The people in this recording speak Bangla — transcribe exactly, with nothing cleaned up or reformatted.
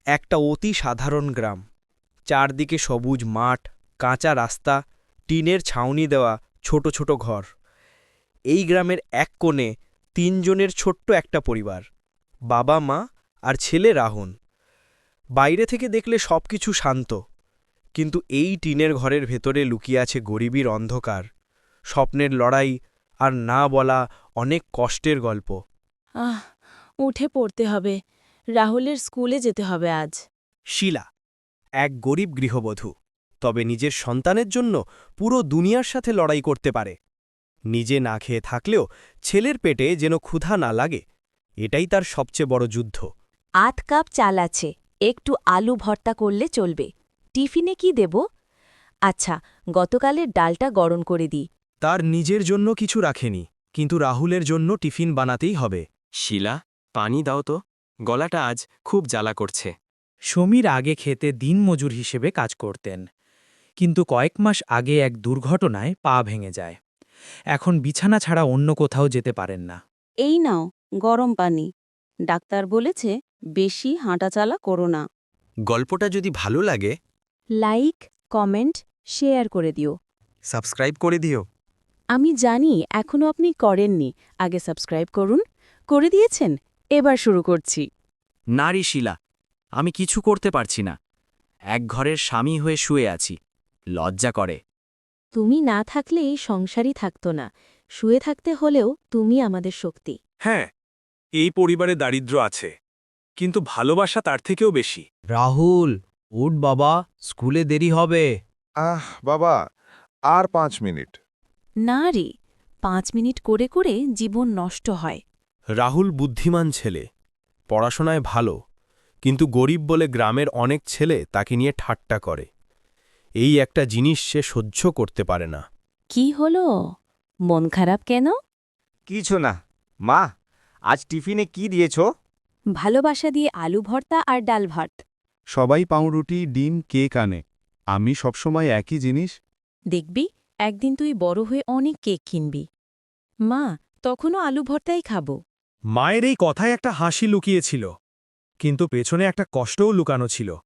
একটা অতি সাধারণ গ্রাম। চারদিকে সবুজ মাঠ, কাঁচা রাস্তা, টিনের ছাউনি দেওয়া ছোট ছোট ঘর। এই গ্রামের এক কোণে তিনজনের ছোট্ট একটা পরিবার, বাবা মা আর ছেলে রাহুল। বাইরে থেকে দেখলে সবকিছু শান্ত, কিন্তু এই টিনের ঘরের ভেতরে লুকিয়ে আছে গরিবীর অন্ধকার, স্বপ্নের লড়াই আর না বলা অনেক কষ্টের গল্প। আহ উঠে পড়তে হবে, রাহুলের স্কুলে যেতে হবে আজ। শিলা এক গরিব গৃহবধূ, তবে নিজের সন্তানের জন্য পুরো দুনিয়ার সাথে লড়াই করতে পারে। নিজে না খেয়ে থাকলেও ছেলের পেটে যেন ক্ষুধা না লাগে, এটাই তার সবচেয়ে বড় যুদ্ধ। আধ কাপ চাল আছে, একটু আলু ভর্তা করলে চলবে। টিফিনে কি দেব? আচ্ছা, গতকালের ডালটা গরম করে দিই। তার নিজের জন্য কিছু রাখেনি, কিন্তু রাহুলের জন্য টিফিন বানাতেই হবে। শিলা, পানি দাও তো, গলাটা আজ খুব জ্বালা করছে। সমীর আগে খেতে দিনমজুর হিসেবে কাজ করতেন, কিন্তু কয়েক মাস আগে এক দুর্ঘটনায় পা ভেঙে যায়। এখন বিছানা ছাড়া অন্য কোথাও যেতে পারেন না। এই নাও গরম পানি। ডাক্তার বলেছে বেশি হাঁটাচালা করো না। গল্পটা যদি ভালো লাগে, লাইক, কমেন্ট, শেয়ার করে দিও। সাবস্ক্রাইব করে দিও। আমি জানি এখনও আপনি করেননি, আগে সাবস্ক্রাইব করুন। করে দিয়েছেন? এবার শুরু করছি। নারী শিলা, আমি কিছু করতে পারছি না। এক ঘরের স্বামী হয়ে শুয়ে আছি, লজ্জা করে। তুমি না থাকলে এই সংসারই থাকতো না। শুয়ে থাকতে হলেও তুমি আমাদের শক্তি। হ্যাঁ, এই পরিবারে দারিদ্র্য আছে, কিন্তু ভালোবাসা তার থেকেও বেশি। রাহুল, উঠ বাবা, স্কুলে দেরি হবে। আহ বাবা, আর পাঁচ মিনিট। না রে, পাঁচ মিনিট করে করে জীবন নষ্ট হয়। রাহুল বুদ্ধিমান ছেলে, পড়াশোনায় ভালো, কিন্তু গরিব বলে গ্রামের অনেক ছেলে তাকে নিয়ে ঠাট্টা করে। এই একটা জিনিস সে সহ্য করতে পারে না। কি হলো? মন খারাপ কেন? কিছু না। মা, আজ টিফিনে কি দিয়েছ? ভালোবাসা দিয়ে আলু ভর্তা আর ডাল ভাত। সবাই পাউরুটি, ডিম, কেক আনে। আমি সবসময় একই জিনিস। দেখবি, একদিন তুই বড় হয়ে অনেক কেক কিনবি। মা, তখনও আলু ভর্তাই খাবো। মায়ের এই কথায় একটা হাসি লুকিয়েছিল, কিন্তু পেছনে একটা কষ্টও লুকানো ছিল।